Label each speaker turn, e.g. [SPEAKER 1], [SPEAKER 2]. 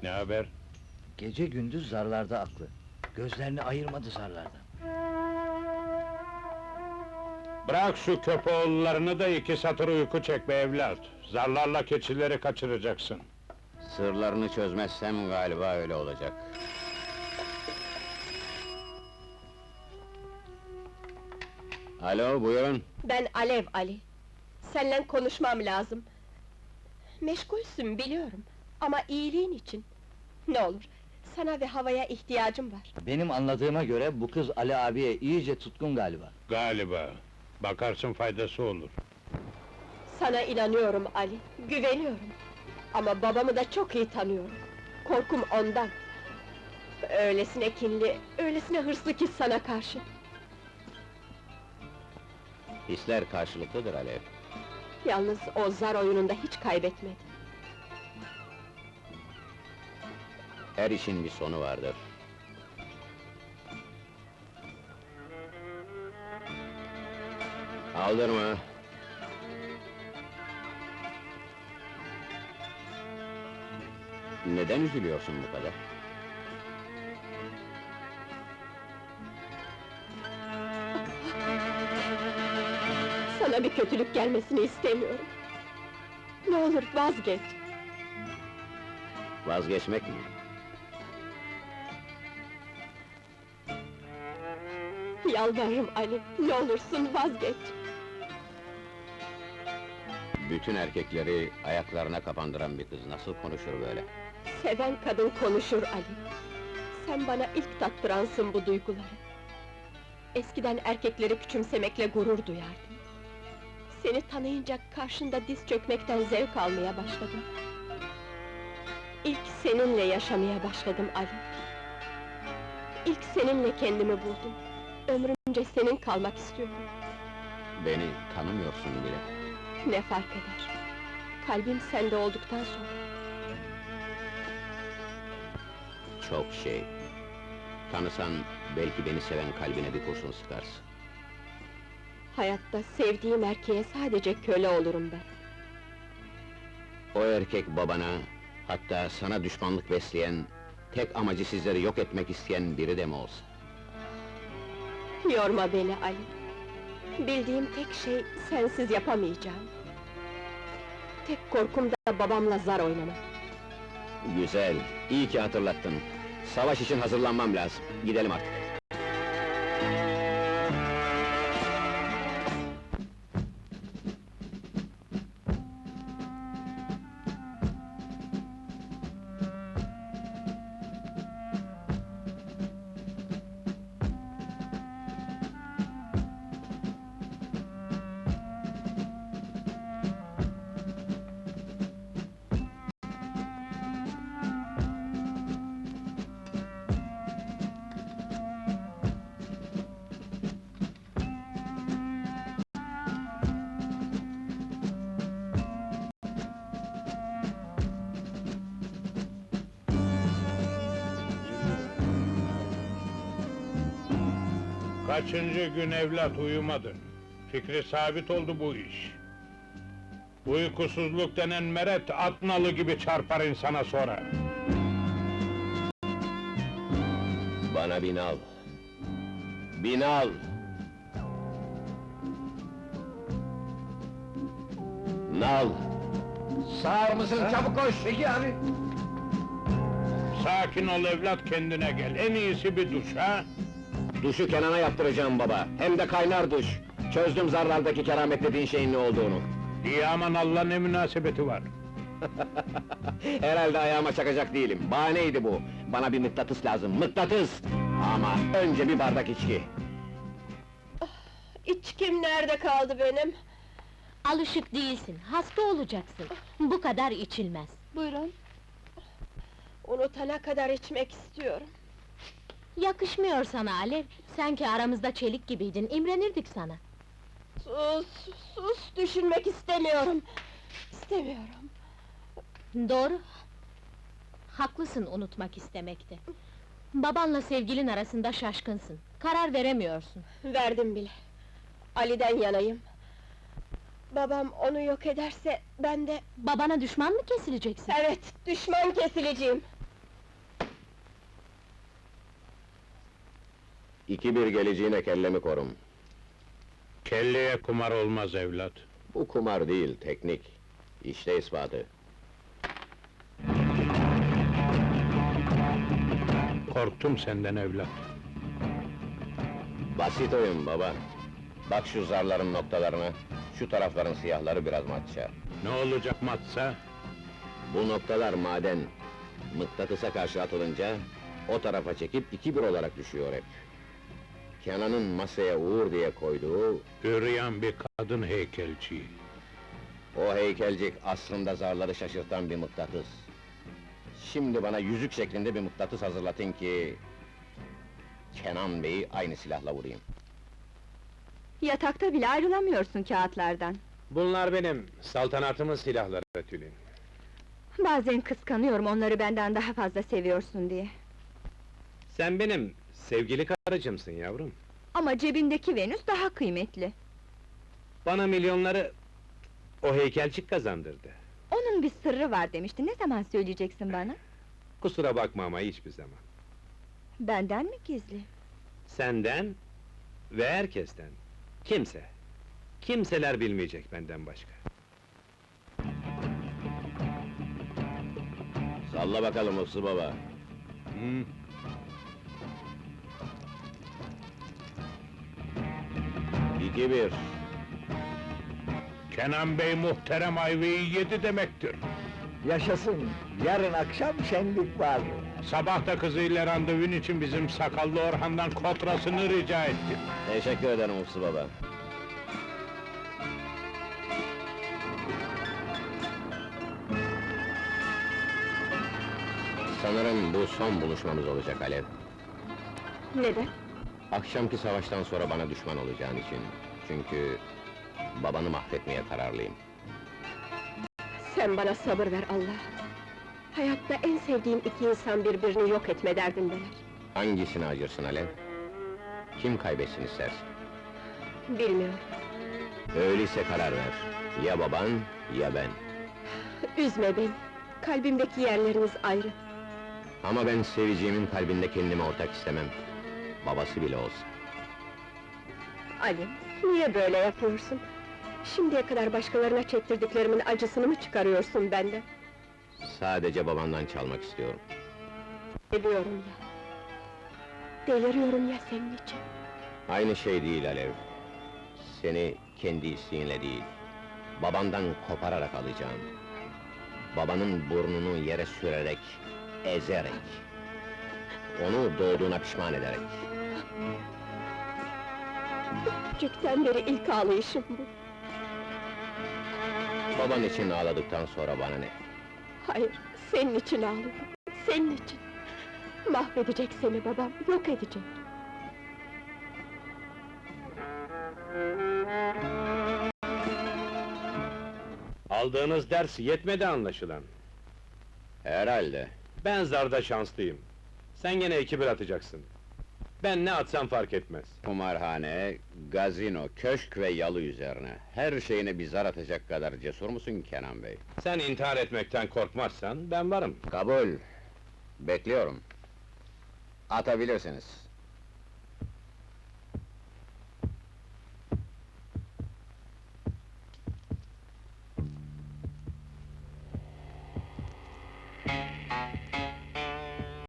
[SPEAKER 1] Ne haber?
[SPEAKER 2] Gece gündüz zarlarda aklı. Gözlerini ayırmadı zarlardan.
[SPEAKER 1] Bırak şu köpoğullarını da iki satır uyku çek be evlat. Zarlarla keçileri kaçıracaksın.
[SPEAKER 3] Sırlarını çözmezsem galiba öyle olacak. Alo, buyurun.
[SPEAKER 4] Ben Alev Ali. Seninle konuşmam lazım. Meşgulsün biliyorum. Ama iyiliğin için. Ne olur, sana ve havaya ihtiyacım var.
[SPEAKER 2] Benim anladığıma göre bu kız Ali abiye iyice tutkun galiba.
[SPEAKER 1] Galiba. Bakarsın faydası olur.
[SPEAKER 4] Sana inanıyorum Ali, güveniyorum. Ama babamı da çok iyi tanıyorum. Korkum ondan. Öylesine kinli, öylesine hırslı ki sana karşı.
[SPEAKER 3] Hisler karşılıklıdır Alev.
[SPEAKER 4] Yalnız o zar oyununda hiç kaybetmedi.
[SPEAKER 3] Her işin bir sonu vardır. Aldırma. Neden üzülüyorsun bu kadar?
[SPEAKER 4] Sana bir kötülük gelmesini istemiyorum. Ne olur vazgeç.
[SPEAKER 3] Vazgeçmek mi?
[SPEAKER 4] Yalvarırım Ali, ne olursun vazgeç.
[SPEAKER 3] Bütün erkekleri ayaklarına kapandıran bir kız nasıl konuşur böyle?
[SPEAKER 4] Seven kadın konuşur Ali. Sen bana ilk tattıransın bu duyguları. Eskiden erkekleri küçümsemekle gurur duyardım. Seni tanıyınca karşında diz çökmekten zevk almaya başladım. İlk seninle yaşamaya başladım Ali. İlk seninle kendimi buldum. Ömrümce senin kalmak istiyorum.
[SPEAKER 3] Beni tanımıyorsun bile.
[SPEAKER 4] Ne fark eder? Kalbim sende olduktan sonra.
[SPEAKER 3] Çok şey. Tanısan, belki beni seven kalbine bir kurşun sıkarsın.
[SPEAKER 4] Hayatta sevdiğim erkeğe sadece köle olurum ben.
[SPEAKER 3] O erkek babana, hatta sana düşmanlık besleyen, tek amacı sizleri yok etmek isteyen biri de mi olsa?
[SPEAKER 4] Yorma beni Ali. Bildiğim tek şey, sensiz yapamayacağım. Tek korkum da babamla zar oynamak.
[SPEAKER 3] Güzel, iyi ki hatırlattın. Savaş için hazırlanmam lazım. Gidelim artık.
[SPEAKER 1] Kaçıncı gün evlat uyumadın? Fikri sabit oldu bu iş. Uykusuzluk denen meret, at nalı gibi çarpar insana sonra.
[SPEAKER 3] Bana bin al. Bin al! Nal!
[SPEAKER 5] Sağır mısın? Çabuk koş! Peki abi!
[SPEAKER 1] Sakin ol evlat, kendine gel. En iyisi bir duş, ha?
[SPEAKER 3] Duşu Kenan'a yaptıracağım baba, hem de kaynar duş. Çözdüm zarlardaki keramet dediğin şeyin ne olduğunu.
[SPEAKER 1] İyi aman Allah, ne münasebeti var?
[SPEAKER 3] Herhalde ayağıma çakacak değilim, bahaneydi bu. Bana bir mıknatıs lazım, mıknatıs! Ama önce bir bardak içki.
[SPEAKER 4] İçkim nerede kaldı benim?
[SPEAKER 6] Alışık değilsin, hasta olacaksın. Bu kadar içilmez.
[SPEAKER 4] Buyurun. Unutana kadar içmek istiyorum.
[SPEAKER 6] Yakışmıyor sana Alev, sen ki aramızda çelik gibiydin, imrenirdik sana.
[SPEAKER 4] Sus, sus, düşünmek istemiyorum. İstemiyorum.
[SPEAKER 6] Doğru. Haklısın unutmak istemekte. Babanla sevgilin arasında şaşkınsın, karar veremiyorsun.
[SPEAKER 4] Verdim bile. Ali'den yanayım. Babam onu yok ederse, ben de...
[SPEAKER 6] Babana düşman mı kesileceksin?
[SPEAKER 4] Evet, düşman kesileceğim.
[SPEAKER 3] 2-1 geleceğine kellemi korum.
[SPEAKER 1] Kelleye kumar olmaz evlat.
[SPEAKER 3] Bu kumar değil, teknik. İşte ispatı.
[SPEAKER 1] Korktum senden evlat.
[SPEAKER 3] Basit oyun baba. Bak şu zarların noktalarına, şu tarafların siyahları biraz matça.
[SPEAKER 1] Ne olacak matsa?
[SPEAKER 3] Bu noktalar maden. Mıknatısa karşı atılınca, o tarafa çekip 2-1 olarak düşüyor hep. Kenan'ın masaya Uğur diye koyduğu,
[SPEAKER 1] Üryan bir kadın heykelci.
[SPEAKER 3] o heykelcik aslında zarları şaşırtan bir mıknatıs. Şimdi bana yüzük şeklinde bir mıknatıs hazırlatın ki... Kenan Bey'i aynı silahla vurayım.
[SPEAKER 7] Yatakta bile ayrılamıyorsun kağıtlardan.
[SPEAKER 5] Bunlar benim, saltanatımın silahları Tülin.
[SPEAKER 7] Bazen kıskanıyorum onları benden daha fazla seviyorsun diye.
[SPEAKER 5] Sen benim sevgili karıcımsın yavrum.
[SPEAKER 7] Ama cebindeki Venüs daha kıymetli.
[SPEAKER 5] Bana milyonları o heykelcik kazandırdı.
[SPEAKER 7] Onun bir sırrı var demişti, ne zaman söyleyeceksin bana?
[SPEAKER 5] Kusura bakma ama hiçbir zaman.
[SPEAKER 7] Benden mi gizli?
[SPEAKER 5] Senden ve herkesten. Kimse. Kimseler bilmeyecek benden başka.
[SPEAKER 3] Salla bakalım Hıfzı baba.
[SPEAKER 1] Hı?
[SPEAKER 3] 2-1.
[SPEAKER 1] Kenan Bey muhterem ayvayı yedi demektir.
[SPEAKER 2] Yaşasın, yarın akşam şenlik var.
[SPEAKER 1] Sabah da kızıyla randevun için bizim sakallı Orhan'dan kotrasını rica ettim.
[SPEAKER 3] Teşekkür ederim Hıfzı baba. Sanırım bu son buluşmamız olacak Alev.
[SPEAKER 4] Neden?
[SPEAKER 3] Akşamki savaştan sonra bana düşman olacağın için. Çünkü... babanı mahvetmeye kararlıyım.
[SPEAKER 4] Sen bana sabır ver Allah! Hayatta en sevdiğim iki insan birbirini yok etme derdindeler.
[SPEAKER 3] Hangisini acırsın Alev? Kim kaybetsin istersin?
[SPEAKER 4] Bilmiyorum.
[SPEAKER 3] Öyleyse karar ver. Ya baban, ya ben.
[SPEAKER 4] Üzme beni! Kalbimdeki yerleriniz ayrı.
[SPEAKER 3] Ama ben seveceğimin kalbinde kendime ortak istemem. Babası bile olsa.
[SPEAKER 4] Ali, niye böyle yapıyorsun? Şimdiye kadar başkalarına çektirdiklerimin acısını mı çıkarıyorsun benden?
[SPEAKER 3] Sadece babandan çalmak istiyorum.
[SPEAKER 4] Ediyorum ya. Deliriyorum ya senin için.
[SPEAKER 3] Aynı şey değil Alev. Seni kendi isteğinle değil, babandan kopararak alacağım. Babanın burnunu yere sürerek, ezerek. Onu doğduğuna pişman ederek.
[SPEAKER 4] Küçükten beri ilk ağlayışım bu.
[SPEAKER 3] Baban için ağladıktan sonra bana ne?
[SPEAKER 4] Hayır, senin için ağlıyorum. Senin için. Mahvedecek seni babam, yok edecek.
[SPEAKER 5] Aldığınız ders yetmedi anlaşılan.
[SPEAKER 3] Herhalde.
[SPEAKER 5] Ben zarda şanslıyım. Sen gene 2-1 atacaksın. Ben ne atsam fark etmez.
[SPEAKER 3] Kumarhane, gazino, köşk ve yalı üzerine. Her şeyine bir zar atacak kadar cesur musun Kenan Bey?
[SPEAKER 5] Sen intihar etmekten korkmazsan ben varım.
[SPEAKER 3] Kabul. Bekliyorum. Atabilirsiniz.